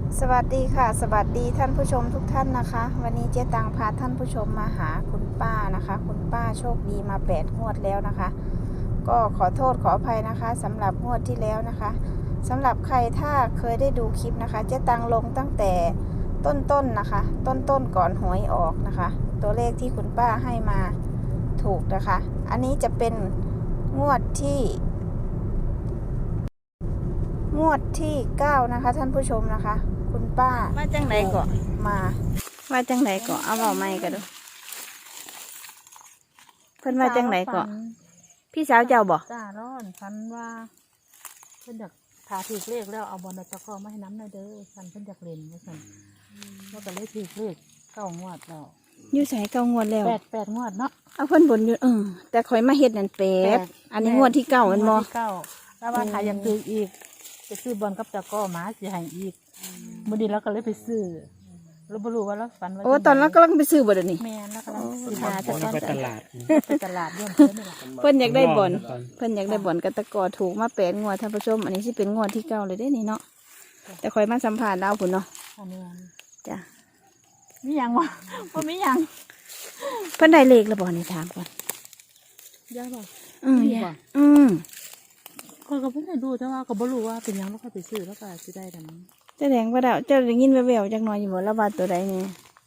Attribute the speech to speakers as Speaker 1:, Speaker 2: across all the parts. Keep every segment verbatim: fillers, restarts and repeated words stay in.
Speaker 1: สวัสดีค่ะสวัสดีท่านผู้ชมทุกท่านนะคะวันนี้เจ๊ตังพาท่านผู้ชมมาหาคุณป้านะคะคุณป้าโชคดีมาแปดงวดแล้วนะคะ ก็ขอโทษขออภัยนะคะสำหรับงวดที่แล้วนะคะสำหรับใครถ้าเคยได้ดูคลิปนะคะเจ๊ตังลงตั้งแต่ต้นๆ น, นะคะ ต้นๆ ก่อนหวยออกนะคะ ตัวเลขที่คุณป้าให้มาถูกนะคะ อันนี้จะเป็นงวดที่งวดที่เก้านะคะท่านผู้ชมนะคะคุณป้ามาจังไหนเกาะมาว่าจังไหนเกาะเอาเอาไม้กันดูเพิ่นว่าจังไหนเกาะพี่สาวเจ้าบอก
Speaker 2: จ้าร้อนฉันว่าเพิ่นอยากถาถือเลขแล้วเอาบอลตะกอมาให้น้ำหน่อยเด้อฉันเพิ่นอยากเล่นว่าฉันแล้วก็เลยถือเลขเก้างวดแล้ว
Speaker 1: อยู่ใส่เก้างวดแล้ว
Speaker 2: แปดแปดงวดเนาะ
Speaker 1: เอาเพิ่นบนอยู่เออแต่ข่อยมาเฮ็ดนั่นแปดอันนี้งวดที่เก้ามันบ่
Speaker 2: เก้าแล้วว่าถ้ายังถืออีกจะซื้อบอลกับตะกอมาสิให้อีกมื้อนี้เราก็เลยไปซื้อเราบ่รู้ว่าเราฝันว่า
Speaker 1: โอ้ตอนนั้นกำลังไปซื้อบ่เดี๋ยวนี้
Speaker 2: แม่นแล้วกำลังซื้อ
Speaker 1: หาแต่ตอน
Speaker 3: ไปตลาด
Speaker 2: ไปตลาดร่วมเพิ่นนี่ล่ะ
Speaker 1: เพิ่นอยากได้บอลเพิ่นอยากได้บอลกับตะกอถูกมาแปดงวดท่านผู้ชมอันนี้สิเป็นงวดที่เก้าเลยเด้นี่เนาะแต่ข่อยมาสัมภาษณ์เราพุ่นเนาะ
Speaker 2: อันนี้
Speaker 1: จ้ะ
Speaker 2: มีหยังวะบ่มีหยัง
Speaker 1: เพิ่นได้เลขแล้วบ่นี่ถามก่อน
Speaker 2: ย่าบ่
Speaker 1: อืมย่าอืม
Speaker 2: ข้อยก็เพิ่งได้ดูแต่ว่าก็บ่รู้ว่าเป็นหยังแล้วก็ไปซื้อแล้วก็สิได้แต่นั้น
Speaker 1: แสดงว่าเราเจ้าได้ยินแว่วๆจักหน่อยอยู่บ่ละบาดตัวใดนี่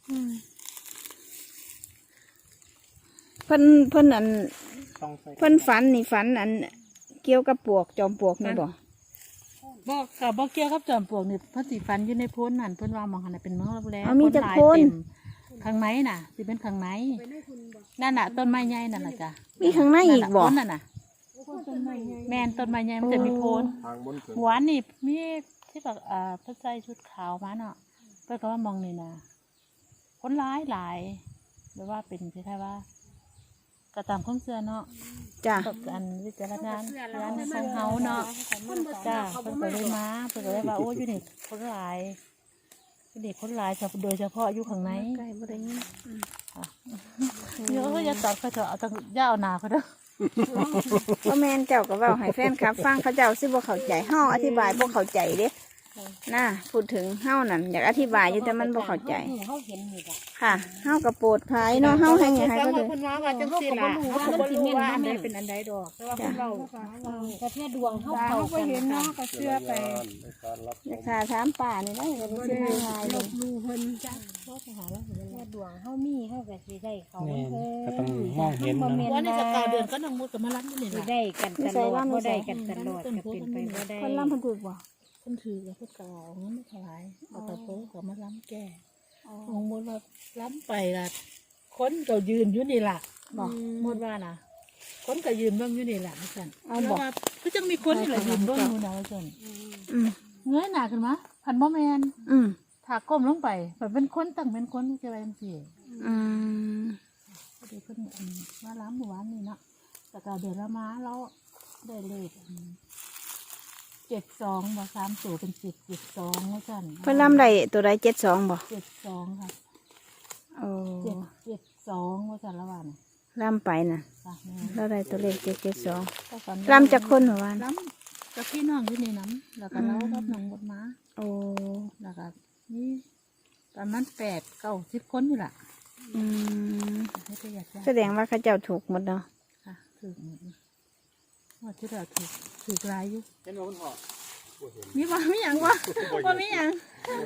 Speaker 1: เพิ่นเพิ่นอันเพิ่นฝันนี่ฝันอันเกี่ยวกับปวกจอมปลวกนี่บ่
Speaker 2: บ่ก็บ่เกี่ยวกับจอมปลวกนี่เพิ่นสิฝันอยู่ในโพ้นนั่นเพิ่นว่าหมองหั่นน่ะเป็นเมืองรับแล
Speaker 1: มีจักโพ้น
Speaker 2: ข้างในน่ะสิเป็นข้างในนั่นน่ะต้นไม้ใหญ่นั่นน่ะจ้ะ
Speaker 1: มีข้างในอีกบ่
Speaker 2: นั่นน่ะแม่นต้นไม้ใหญ่มันจะมีโพ้นหวานนี่มีที่แบบอ่าเพิ่นใส่ชุดขาวมาเนาะเพิ่นก็ว่ามองนี่นะคนร้ายหลายหรือว่าเป็นคล้ายๆว่ากระตามข้องเสื้อเนาะ
Speaker 1: จ้ะ
Speaker 2: อันวิจารณญาณร้านในของเฮาเนาะจ้าเพิ่นก็เลยมาเพิ่นก็เลยว่าโอ้ยอยู่นี่คนหลายอยู่นี่คนหลายโดยเฉพาะอยู่ข้างใน
Speaker 1: ใกล้บ่ได้ยิน
Speaker 2: เยอะอย่าตัดเขาเถอะเอาตั้งย่าเอาหนาเขาเด้อ
Speaker 1: พ่อแม่เจ้าก็เว้าให้แฟนคลับฟังเขาเจ้าสิบ่เข้าใจเฮาอธิบายบ่เข้าใจเด้น่าพูดถึงเฮานั่นอยากอธิบายอยู่แต่มันบ่เข้าใจค่ะเฮากับโปรดภัยเนาะเฮาให้ไงให้ก็เลย
Speaker 2: คนว่าว่าจังซี่ล่ะเฮาก็บ่รู้ว่าอันใดเป็นอันใดดอกแต่ว่าคนเราก็แค่ดวงเฮาเขาก็เห็นเนาะก็เชื่อไป
Speaker 1: อยากหาถามป่านี่ได้ก็บ่ได้ง่ายเลย
Speaker 2: รู้เพิ่นจ้ะโทรไปหาแล้วแค่ดวงเฮามีเฮาก็สิได้เขา
Speaker 3: เออก็ต้องมองเห็นเนาะ
Speaker 2: ว่าในสัปดาห์เดือนก็น้องมุดก็มารับอยู่นี่ล่ะ
Speaker 4: ได้กันตลอดบ่ได้กันตลอดก็เป็นไปบ่ได้
Speaker 1: คนลำเพิ่นถูกบ่
Speaker 2: เพิ่นถือกับเพิ่นก็เอาเงินมาถวายเอาตะโพก็มาล้ำแก่น้องมุดว่าล้ำไปล่ะคนก็ยืนอยู่นี่ล่ะบอกมุดว่าน่ะคนก็ยืนเบิ่งอยู่นี่ล่ะว่าซั่นเอาบอกคือจังมีคนนี่ล่ะยืนเบิ่งอยู่นะว่าซั่นอืมเงยหน้าขึ้นมาพันบ่แม่นอืมถ้าก้มลงไปแบบเป็นคนตั้งเป็นคนจะว่าจังซี่อืมเดี๋ยวเพิ่นมาล้ำหมู่บ้านนี่เนาะแต่ก็เดือนละมาแล้วได้เลขเจ็ดสองบ่สามตัวเป็นเจ็ดเจ็ดสองว่าซั่น
Speaker 1: เพิ่นลำได้ตัวใดเจ็ดสองบ่
Speaker 2: เจ็ดสองค่ะ
Speaker 1: โอ้
Speaker 2: เจ็ดเจ็ดสองว่าซั่นละว่าน่ะ
Speaker 1: ลำไปน่ะแล้วได้ตัวเลขเจ็ดเจ็ดสอง
Speaker 2: ล
Speaker 1: ำจากคนหรือว่า
Speaker 2: ลำจากพี่น้องอยู่ในน้ำแล้วก็เล่ากับน้องบดมา
Speaker 1: โอ้
Speaker 2: แล้วก็นี่ประมาณแปดเก้าสิบคนอยู่ล่ะอื
Speaker 1: มแสดงว่าเขาเจ้าถูกหมดเนาะ
Speaker 2: ค่ะถูกหมดว่าที่เราถูกถูกลายอยู่เห็นว่าคนหอบมีว่ามีอย่างวะว่ามีอย่าง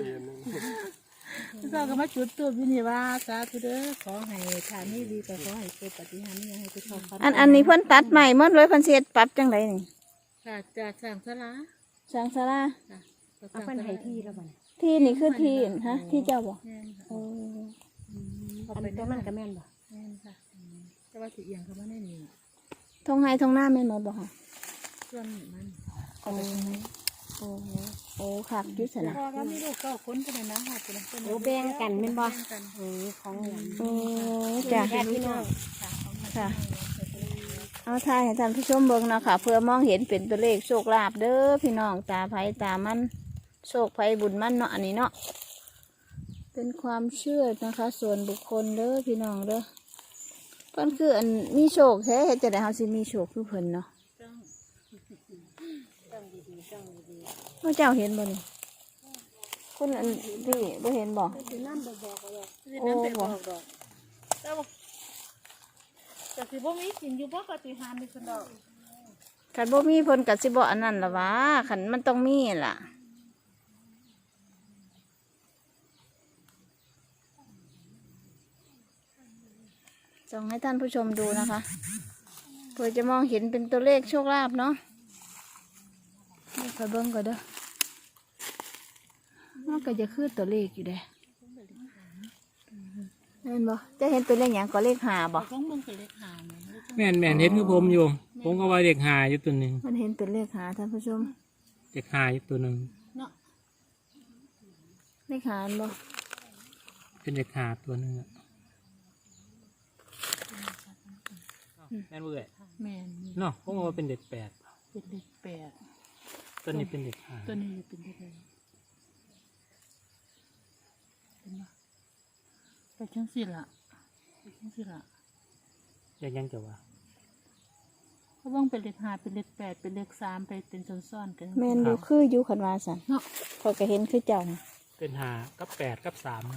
Speaker 2: เราก็มาจุดตัวพี่นี่ว่าสาธุเด้อขอให้ทานนี้ดีแต่ขอให้เกิดปฏิหารนี่ให้ทุกคน
Speaker 1: อันอันนี้เพิ่นตัดใหม่หมดเลยเพิ่นเสียปรับจังไรนี่
Speaker 2: ค่ะจากสร้างศาลา
Speaker 1: สร้างศาลา
Speaker 4: เอาเพิ่นให้ที่แล้วบ่
Speaker 1: ที่นี่คือที่ฮะที่เจ้าบ่โอ้
Speaker 4: อันตัวมันก็แม่นบ่
Speaker 2: แม่นค่ะแต่ว่าสิเอียงเขาไม่ได้นี่
Speaker 1: ทงไห้ทงหน้าแม่นหมดบ่ค่ะ
Speaker 2: ส่วนมัน
Speaker 1: โอ้โอ้โอ้ค่ะยุสนะ
Speaker 2: พอแล้วมีลูกก็คนกันนะค่ะเป็นคน
Speaker 4: โอ้แบ่งกันแม่นบ่เออของ
Speaker 1: โอ้จ้ะ
Speaker 4: พี่น้อง
Speaker 1: ค่ะเอาถ่ายให้ท่านผู้ชมเบิ่งนะคะเพื่อมองเห็นเป็นตัวเลขโชคลาภเด้อพี่น้องตาไผตามันโชคไผบุญมันเนาะอันนี้เนาะเป็นความเชื่อนะคะส่วนบุคคลเด้อพี่น้องเด้อเพิ่นคืออันมีโชคแท้จะได้เฮาสิมีโชคคือเพิ่นเนาะพระเจ้าเห็นบ่นี่คุณอันพี่บ่เห็นบ่
Speaker 2: สิน้ำไปบอกก็ได้สิน้ำไปบอกดอกแต่ว่าแต่สิบ่มีกินอยู่บ่ก็สิหาไม่สนดอก
Speaker 1: คันบ่มีเพิ่นก็สิบ่อันนั้นล่ะวะคันมันต้องมีล่ะส่งให้ท่านผู้ชมดูนะคะเพื่อจะมองเห็นเป็นตัวเลขโชคลาภเนาะนี่คอยเบิ่งก่อนเด้อมันก็จะคือตัวเลขอยู่เด้เห็นบ่จะเห็นตัวเลขหยังก็เลขห้าบ่
Speaker 2: ต้องเบิ่งเป็นเลขหาแม่
Speaker 3: แม่นแม่นเห็นคือผมอยู่ ผมก็ว่าเด็กหาอยู่ตัวหนึ่ง
Speaker 1: มันเห็นเป็นเลขห้าท่านผู้ชม
Speaker 3: เด็กหาอยู่ตัวหนึ่ง
Speaker 2: เนาะ
Speaker 1: เลขห้าอันบ่
Speaker 3: เป็นเด็กหาตัวหนึ่งอะแม่นเบื่อ
Speaker 2: แม่น
Speaker 3: เนาะผมก็ว่าเป็นเด็กแปด
Speaker 2: เป็นเลขแปด
Speaker 3: ตัวนี้เป็นเด็กหา
Speaker 2: ตัวนี้เป็นเลขอะไรเป็นบ่ไปจังสิล่ะไปจังสิล่ะ
Speaker 3: ยังยังจะว่า
Speaker 2: เพราะว่าเป็นเลขห้าเป็นเลขแปดเป็นเลขสามไปเป็นซ้อนๆกัน
Speaker 1: แม่นอยู่คืออยู่คันว่าซั่น
Speaker 2: เนาะ
Speaker 1: ข้อยก็เห็นคือเจ้าน่ะ
Speaker 3: เป็นหากับแปดกับสามนะ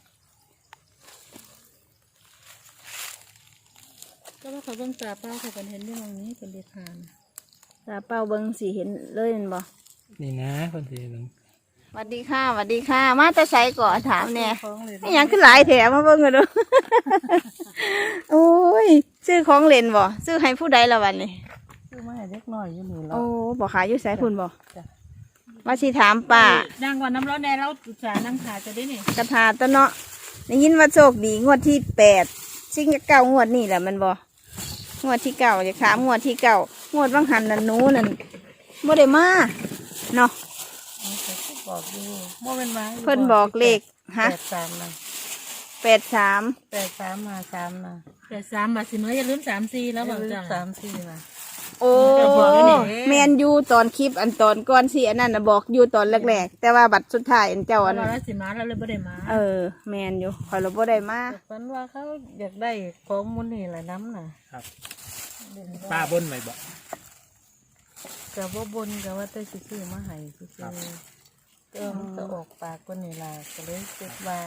Speaker 2: ก็ว่าเขาเบิ่งตาเป้าเขาก็เห็นอยู่ตรงนี้เป็นเลขห้านะ
Speaker 1: ตาเป้าเบิ่งสิเห็นเลยแม่นบ่
Speaker 3: นี่นะคนที่หนึ่ง
Speaker 1: สวัสดีค่ะสวัสดีค่ะ มาแต่ไสก่อนถามแน่
Speaker 2: ของเลย
Speaker 1: นี่หยังคือหลายแถมมาเบิ่งกันดู โอ้ยซื้อของเล่นบ่ซื้อให้ผู้ใดละวันนี้
Speaker 2: คือมาให้เล็กน้อยอยู่นี่แล้ว
Speaker 1: โอ้บ่ขายอยู่ไสพุ่นบ่
Speaker 2: จ้ะ
Speaker 1: มาสิถามป้า
Speaker 2: นั่งก่อนน้ำร้อนแน่เราอุตส่าห์นั่งขาจะได้นี่
Speaker 1: กระทาตะเนาะได้ยินว่าโชคดีงวดที่แปดซิงเก้างวดนี่แหละมันบ่งวดที่เก้าจะถามงวดที่เก้างวดบางหันนั่นหนูนั่นบ่ได้มาเนาะ
Speaker 2: บอกอยู่โมเป็นมา
Speaker 1: เพิ่นบอกเลขฮะ
Speaker 2: แปดสามนะ
Speaker 1: แปดสาม
Speaker 2: แปดสามมาสามนะแปดสามมาสิเมื่ออย่าลืมสามสี่แล้วบอกจ้ะสามสี่มา
Speaker 1: โอ้
Speaker 2: เจ้าบอกอยู่นี่
Speaker 1: แมนยูตอนคลิปอันตอนก่อนสิอันนั้นน่ะบอกอยู่ตอนแรกๆแต่ว่าบัตรสุดท้ายอันเจ้า
Speaker 2: วั
Speaker 1: อั
Speaker 2: น
Speaker 1: น
Speaker 2: ละสิมาเราเลยไม่ได้มา
Speaker 1: เออแมนอยู่คอยเราบ่ได้มา
Speaker 2: ฝันว่าเขาอยากได้ของมูลนี่แหละน้ำน่ะ
Speaker 3: ครับป้าบนไหมบอก
Speaker 2: กับว่าบนกับว่าได้ซื้อมาให้ซื้อเติมก็ออกปากก็นี่ล่ะก็เลยเก็บว่า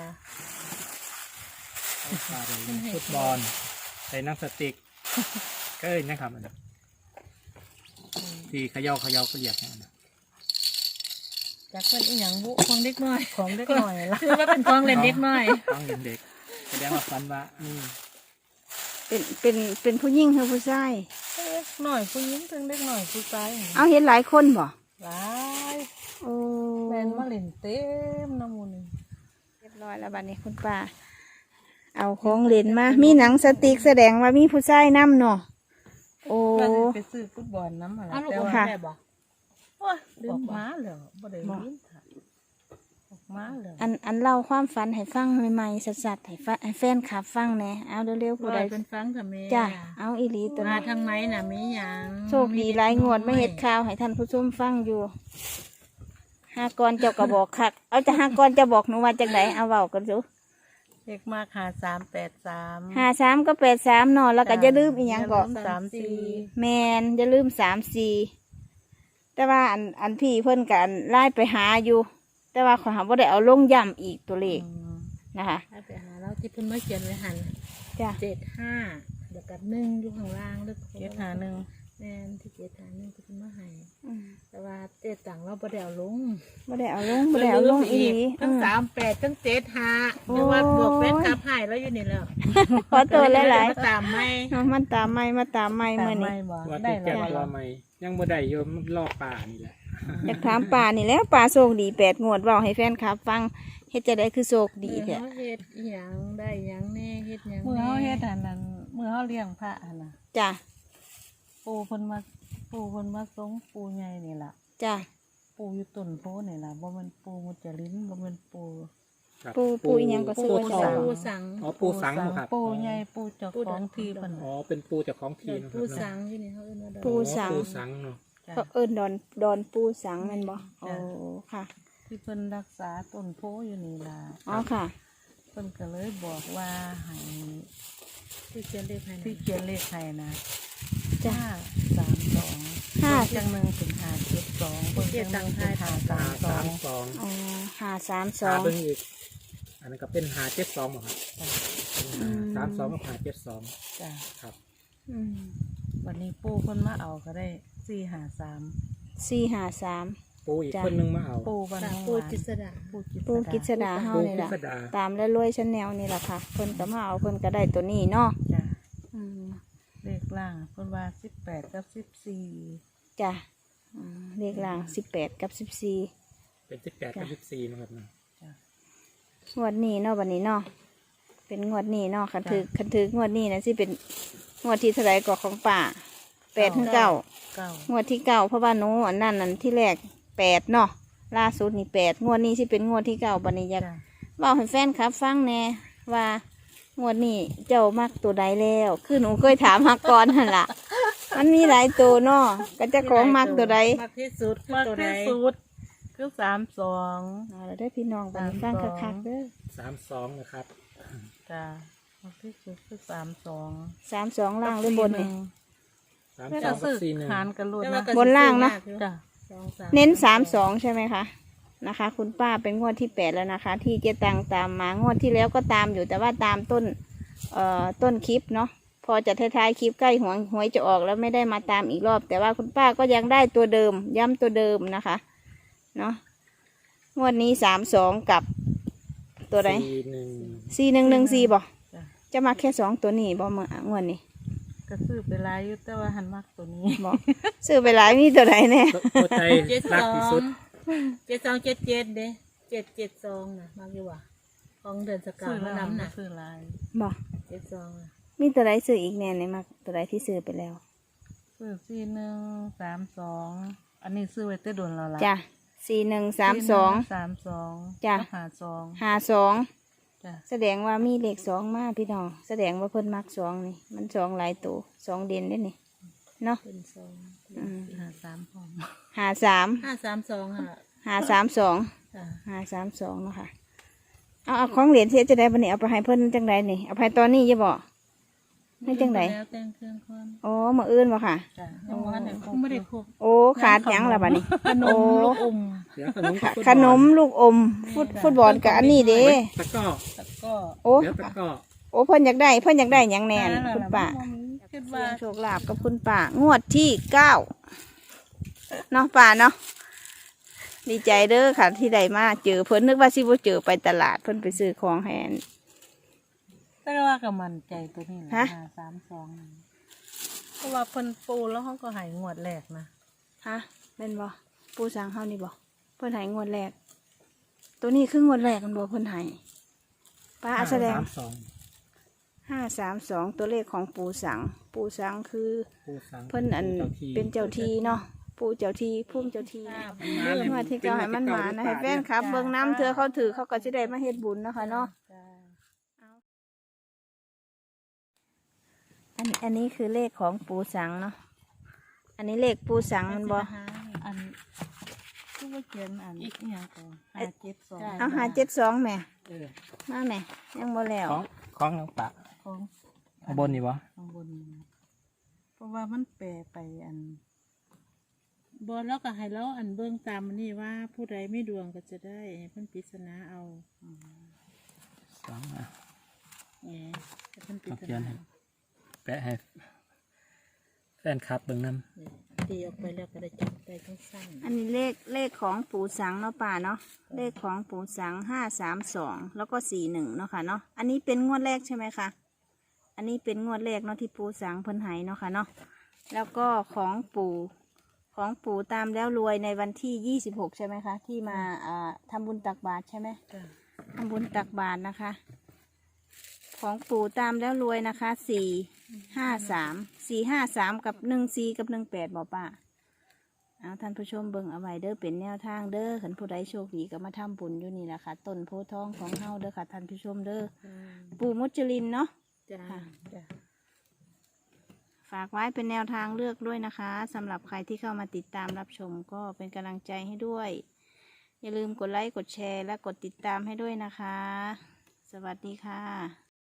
Speaker 3: ป้าเป็นฟุตบอลใส่นังสติ๊กก็เลยนะครับอันนั้นที่เขย่าเขย่าก็เหยียบนะ
Speaker 2: จากเป็นอีหยังบุของเด็กน้อยของเด็กน้อยละคือว่าเป็นของเล่นเด็กน้อย
Speaker 3: ต้องเห็นเด็กแสดงว่าฟันว่านี่
Speaker 1: เป็นเป็นเป็นผู้หญิงหรือผู้ชาย
Speaker 2: เล็กน้อยผู้หญิงถึงเด็กน้อยผู้ชาย
Speaker 1: เอาเห็นหลายคนบ่
Speaker 2: หลาย
Speaker 1: โอ้
Speaker 2: แมนมาเล่นเต็มน้ำมูล
Speaker 1: เรียบร้อยแล้วบัดนี้คุณป้าเอาของเล่นมามีหนังสติ๊กแสดงว่ามีผู้ชายนํเนาะโอ้
Speaker 2: ว่าสิไปซื้อฟุตบอลน้ำอะไรแต่ว่า
Speaker 1: ค่ะ
Speaker 2: ได้บอกโอ้ยออกมาแล้วบ่ได้ยินค่ะออกมาแล้ว
Speaker 1: อันอันเล่าความฝันให้ฟังใหม่ๆสัดๆให้ฟังให้แฟนคลับฟังแหน่เอาเร็วๆผู้
Speaker 2: บ่
Speaker 1: ใด
Speaker 2: ได้เป็นฟังทำไม
Speaker 1: จ้ะเอาอีหลีตัว
Speaker 2: มา
Speaker 1: นี้
Speaker 2: ทางไหนน่ะมีหยัง
Speaker 1: โชคดีหลายงวดไม่เห็ดข่าวให้ท่านผู้ชมฟังอยู่ห้ากรเจ้าก็บอกคักเอาจะห้ากรจะบอกหนูว่าจังไหนเอาเว้ากันดู
Speaker 2: เด็กมากหาสามแปดสาม
Speaker 1: ห้าสามก็แปดสามเนาะแล้วก็อย่าลืมอีหยังก็
Speaker 2: สามสี่
Speaker 1: แมนอย่าลืมสามสี่แต่ว่าอันอันพี่เพิ่นกันไล่ไปหาอยู่ แต่ว่าขอหาว่าได้เอาลงย่ำอีกตัวเลขนะคะ
Speaker 2: ให้ไปหาเราที่เพิ่นมาเขียนไว้หัน
Speaker 1: จ้ะ
Speaker 2: เจ็ดห้าเดี๋ยวกับหนึ่งอยู่ข้างล่างแล้วเจ็ดหาหนึ่งแม่นที่เจ็ดหาหนึ่งที่เพิ่นมาให้
Speaker 1: อืม
Speaker 2: แต่ว่าเจ็ดต่างเราบ่ได้เอาลง
Speaker 1: บ่ได้เอาลงบ่ได้เอาลงอีหลี
Speaker 2: ทั้ง
Speaker 1: อืม
Speaker 2: สามแปดทั้งเจ็ดห้า
Speaker 1: โอ้ย
Speaker 2: เรียกว่าบวกแฟนคลับให้แล้วอยู่นี่แล้ว
Speaker 1: ขอตัวหลาย
Speaker 2: มาตามไหม
Speaker 1: ๆเอามันตามไม่มาตามไม่
Speaker 2: ตา
Speaker 1: เมื่อ
Speaker 2: มไหม
Speaker 1: นี้
Speaker 2: บ่
Speaker 3: ว่า
Speaker 2: ได้
Speaker 3: ที่
Speaker 2: แล้
Speaker 3: แก่
Speaker 2: ว
Speaker 3: ตัวใหม่ยังบ่ได้โยมมันลอกป่านี่แหละ
Speaker 1: อยากถามป่านี่แหล้วป่าโชคดีแปดงวดเว้าให้แฟนคลับฟังเฮ็ดจะได้คือโชคดี
Speaker 2: เมื่
Speaker 1: แท้
Speaker 2: อเฮ็ดอีหยังได้หยังแน่เฮ็ดหยัง
Speaker 5: เมื่อ
Speaker 2: แน่
Speaker 5: เขาเฮ็ดอันนั้นเมื่อเขาเลี้ยงพระอันน่ะ
Speaker 1: จ้ะ
Speaker 5: ปูเพิ่นมาปูเพิ่นมาสงปูใหญ่นี่ล่ะ
Speaker 1: จ้ะ
Speaker 5: ปูอยู่ต้นโพนี่ล่ะบ่แม่นปูมุจลินบ่แม่นปู
Speaker 3: ครับ
Speaker 1: ปูปูอีหยังก็ซื้อ
Speaker 3: ปู
Speaker 1: ไว้
Speaker 3: สั
Speaker 1: ใส่
Speaker 3: ง
Speaker 2: ปูสัง
Speaker 3: อ๋อปูสังเหรอครับ
Speaker 5: ปูใหญ่ปูเจ้าของที่เพิ่น
Speaker 3: อ๋
Speaker 5: น่ะ
Speaker 3: อเป็นปูจากของทีนะค
Speaker 2: ปู
Speaker 3: รับ
Speaker 2: สังที่นี่เขาเอิ้นว่าดอก
Speaker 1: ปูสัง
Speaker 3: ปูสังเนาะ
Speaker 5: จ้ะ
Speaker 1: เขาเอิ้นดอนดอนปูสังแม่นบ่โอ้ค่ะ
Speaker 5: ที่เพิ่นรักษาต้นโพอยู่นี่ล่ะ
Speaker 1: อ๋อค่ะ
Speaker 5: เพิ่นก็เลยบอกว่าให้
Speaker 2: ที่เขียนเลขให้
Speaker 5: ที่
Speaker 2: นะ
Speaker 5: เขียนเลขให้นะ
Speaker 1: จ้ะ
Speaker 5: ห้าสามสอง
Speaker 1: ห้า
Speaker 5: จังหนึ่งถึงห้าเจ็ดสองเพิ่นจังหนึ่งถึงห้าสา
Speaker 3: ห้าม
Speaker 5: สอ
Speaker 3: สาง มสอง
Speaker 1: อ๋อหห้าสามส
Speaker 3: หา
Speaker 1: อง
Speaker 3: เบิ่งอีกอันนั้นก็เป็นหาเจ็ดสองบ่ครับ
Speaker 1: อืม
Speaker 3: สามสองกับหาเจ็ดสอง
Speaker 5: จ้ะ
Speaker 3: ครับ
Speaker 1: อืม
Speaker 5: วันนี้ปูเพิ่นมาเอาก็ได้สี่หาสาม
Speaker 1: สี่ห้าสาม
Speaker 3: ปูอีก
Speaker 1: จ้ะ
Speaker 3: คนนึงมาเอา
Speaker 5: ปูบัน
Speaker 2: จาก
Speaker 5: ทอง
Speaker 2: ปู
Speaker 5: หวาน
Speaker 2: จิสดา
Speaker 5: ปูกิ
Speaker 1: ปูกิษ
Speaker 5: ษดา
Speaker 1: ดาเฮา
Speaker 3: ปู
Speaker 1: นี่
Speaker 3: กิ
Speaker 1: ล่ะ
Speaker 3: ษดา
Speaker 1: ตามแล้วรวยชั้นแนวนี่ล่ะค่ะเพิ่นก็มาเอาเพิ่นก็ได้ตัวนี้เนาะ
Speaker 5: จ้ะ
Speaker 1: อืม
Speaker 5: เลขล่างเพิ่นว่าสิบแปดกับสิบสี่
Speaker 1: จ้ะอืมเลขล่างสิบแปดกับสิบสี่
Speaker 3: เป็นสิบแปดกับสิบสี่นะครับเนาะ
Speaker 5: จ้ะ
Speaker 1: งวดนี้เนาะวันนี้เนาะเป็นงวดนี้เนาะคันถือคันถืองวดนี้นะสิเป็นงวดที่เท่าไหรก่อของป่าแปดถึงเก้า
Speaker 5: เก้าง
Speaker 1: วดที่เก้าเพราะว่าหนูอันนั้นนั่นที่แรกแปดเนาะล่าสุดนี่แปดงวดนี้สิเป็นงวดที่เก้าบันนี้อยาก
Speaker 5: จ้ะ
Speaker 1: บอกให้แฟนครับฟังแน่ว่างวดนี้เจ้ามักตัวใดแล้วคือหนูเคยถามมาก่อนนั่นล่ะ มันมีหลายตัวเนาะก็เจะของมักตัวใด
Speaker 2: มักที่สุด
Speaker 5: มาก
Speaker 2: ตัวใด
Speaker 5: ที่สุดคือสามสอง
Speaker 1: เอาแล้วได้อพี่น้องบันนี้ฟังคักๆเด้อ
Speaker 3: สามสองนะครับ
Speaker 5: จ้ะมากที่สุดคือสามสอง
Speaker 1: สามสองล่างหรือบนนี่
Speaker 3: สาม
Speaker 5: แล้ว
Speaker 3: สอ
Speaker 5: ก็
Speaker 3: งกั
Speaker 5: ซื้
Speaker 3: บ
Speaker 5: อ
Speaker 3: สี่หนึ่ง
Speaker 5: หารกันรวด
Speaker 2: แต่
Speaker 5: นะ
Speaker 2: ว่าก็
Speaker 1: บนล่างนะ
Speaker 5: จ้ะ
Speaker 2: สองสาม
Speaker 1: เน้นสามสองใช่ไหมคะนะคะ คุณป้าเป็นงวดที่แปดแล้วนะคะ ที่เจ๊ตังตามมางวดที่แล้วก็ตามอยู่แต่ว่าตามต้นเอ่อต้นคลิปเนาะพอจะท้ายๆคลิปใกล้หวยหวยจะออกแล้วไม่ได้มาตามอีกรอบ แต่ว่าคุณป้าก็ยังได้ตัวเดิม ย้ำตัวเดิมนะคะเนาะงวดนี้สามสองกับตัวไหน
Speaker 3: สี่หนึ่ง
Speaker 1: สี่หนึ่งหนึ่งสี่บ่
Speaker 5: จ้ะ
Speaker 1: จะมาแค่สองตัวนี้บ่เมื่องวดนี้
Speaker 5: ก็ซื้อไปหลายอยู่แต่ว่าหันมากตัวนี้
Speaker 1: บ่ ซื้อไปหลายมีตัวไหนแน่
Speaker 3: ตัวใจ
Speaker 2: เจ็ด
Speaker 3: รั
Speaker 2: ส
Speaker 3: ก
Speaker 2: อ
Speaker 3: ที่
Speaker 2: ง
Speaker 3: สุด
Speaker 2: เจ็ดสองเจ็ดเจ็ดเด้เจ็ดเจ็ดสองนะมักอยู่ว่ะของเดือนสกาว
Speaker 5: ซื้อ
Speaker 2: มา
Speaker 5: แล้ว
Speaker 2: น้ำน่ะ
Speaker 5: ซื้อหลาย
Speaker 1: บ่
Speaker 2: เจ็ดสองน่ะ
Speaker 1: มีตัวไหนซื้ออีกแน่เนี่ยมาตัวไหนที่ซื้อไปแล้ว
Speaker 5: ซื้อสี่หนึ่งสามสองอันนี้ซื้อไว้แต่โดนเราละ
Speaker 1: จ้ะสี่หนึ่งสามสอง
Speaker 5: สามสอง
Speaker 1: จ้ะ
Speaker 5: หาสอง
Speaker 1: หาสอง
Speaker 5: จ้ะ
Speaker 1: แสดงว่ามีเลขสองมาพี่น้องแสดงว่าเพิ่นมักสองนี่มันสองหลายตัวสองเด่นได้นี่เนาะ
Speaker 2: เป็นสอง
Speaker 1: อืม
Speaker 5: หาสามพร้อม
Speaker 1: หาสาม
Speaker 2: ห้าสามสองอ่ะ
Speaker 1: หาสามสอง
Speaker 2: จ้ะ
Speaker 1: หาสามสองเนาะค่ะเอาเอาของเหรียญเทียจะได้บันนี้เอาไปให้เพิ่นจังไดนี่เอาไปตอนนี้จะบอกให้จังได
Speaker 2: แล้วแต่งเครื่องคน
Speaker 1: โอ้มาอื่นบ่ค่ะ
Speaker 5: จ้ะ
Speaker 2: ยังว่าไหนคงไม่ได้ครบ
Speaker 1: โอ้ขาดหยังละบัดนี้
Speaker 5: ขน
Speaker 1: โอ้
Speaker 5: มลูกอม
Speaker 3: เดี๋ยวขนม
Speaker 1: ข
Speaker 3: กับฟุตบอล
Speaker 1: ขนมลูกอมฟุตฟุตบอลกับอันนี้เด้
Speaker 3: ตะกร้อ
Speaker 5: แล้วก็
Speaker 1: โอ้
Speaker 3: เดี๋ยวตะกร้อ
Speaker 1: โอ้เพิ่นอยากได้เพิ่นอยากได้หยังแน่นคุณป้า
Speaker 5: คิด
Speaker 1: เสี่
Speaker 5: ว่าย
Speaker 1: งโชคลาภกับคุณป่างวดที่เก้าเนาะป่าเนาะดีใจเด้อค่ะที่ได้มาเจอเพิ่นนึกว่าสิบ่เจอไปตลาดเพิ่นไปซื้อของแหน
Speaker 5: แต่ว่าก็มันใจตัวนี้แหละ
Speaker 1: ฮะ
Speaker 5: หาสามสองนั่นเพราะว่าเพิ่นปูแล้วเขาก็ใหายงวดแรกนะ
Speaker 1: ฮะเป็นบ่ปูสังเฮานี่บ่เพิ่นให้งวดแรก ตัวนี้คืองวดแรกมันบ่เพิ่นให้ป้าแสดง
Speaker 3: สามสอง
Speaker 1: ห้าสามสองตัวเลขของปูสัง ปูสังคือ
Speaker 3: ปูสัง
Speaker 1: เพิ่นอัน
Speaker 3: จ้าที่
Speaker 1: เป็นเจ้าทีเนาะปูเจ้าทีพุ่มเจ้าที
Speaker 3: มาเลย
Speaker 1: เมื่อที่เจ้าให้มันมานะให้แฟนครับ เบิ่งน้ำเธอเขาถือเขาก็จะได้มาเฮ็ดบุญเนาะคะเนาะ
Speaker 5: จ้ะ
Speaker 1: อันอันนี้คือเลขของปูสังเนาะ อันนี้เลขปูสังมันบอ
Speaker 5: อันที่ว่าเขียนอันอีกอย่างก่อนห้าเจ็ดสอง
Speaker 1: เอาหาเจ็ดสองแม่
Speaker 3: เออ
Speaker 1: มาแม่ยังบ่แล้ว
Speaker 3: ของของน้องปะ
Speaker 5: ของ
Speaker 3: ข้างบนนี่วะ
Speaker 5: ข้างบนนี่นะเพราะว่ามันแปรไปอัน
Speaker 2: บอลแล้วก็ให้เราอันเบิ่งตามมันนี่ว่าผู้ใดไม่ดวงก็จะได้ให้เพิ่นปริศนาเอา
Speaker 3: สองอ่ะ
Speaker 2: แหมให้เพิ่นปริ
Speaker 3: ต้อง
Speaker 2: ศ
Speaker 3: เขียน
Speaker 2: นา
Speaker 3: ให้แปะให้แฟนคลับเบิ่งน้
Speaker 2: ตีออกไปแล้วก็ได้จับได้ทั้งสั้น
Speaker 1: อันนี้เลขเลขของปูสังเนาะป่าเนาะ เลขของปูสังห้าสามสองแล้วก็สี่หนึ่งเนาะค่ะเนาะ อันนี้เป็นงวดแรกใช่ไหมคะ อันนี้เป็นงวดแรกเนาะที่ปูสังเพิ่นให้เนาะค่ะเนาะ แล้วก็ของปูของปูตามแล้วรวยในวันที่ยี่สิบหกใช่ไหมคะ ที่มาอ่าทำบุญตักบาตรใช่ไหม
Speaker 2: จ้ะ
Speaker 1: ทำบุญตักบาตรนะคะ ของปู่ตามแล้วรวยนะคะสี่ห้าสามสี่ห้าสามกับหนึ่งสี่กับหนึ่งแปดบอกป้าเอาท่านผู้ชมเบิ่งเอาไว้เด้อเป็นแนวทางเด้อขันผู้ใดโชคดีก็มาทำบุญอยู่นี่แหละค่ะต้นโพธิ์ทองของเฮาเด้อค่ะท่านผู้ชมเด้อปู่มุจลินเนาะ
Speaker 2: จ้ะ
Speaker 1: ค่ะ
Speaker 2: จ้ะ
Speaker 1: ฝากไว้เป็นแนวทางเลือกด้วยนะคะสำหรับใครที่เข้ามาติดตามรับชมก็เป็นกำลังใจให้ด้วย อย่าลืมกดไลค์กดแชร์และกดติดตามให้ด้วยนะคะ สวัสดีค่ะ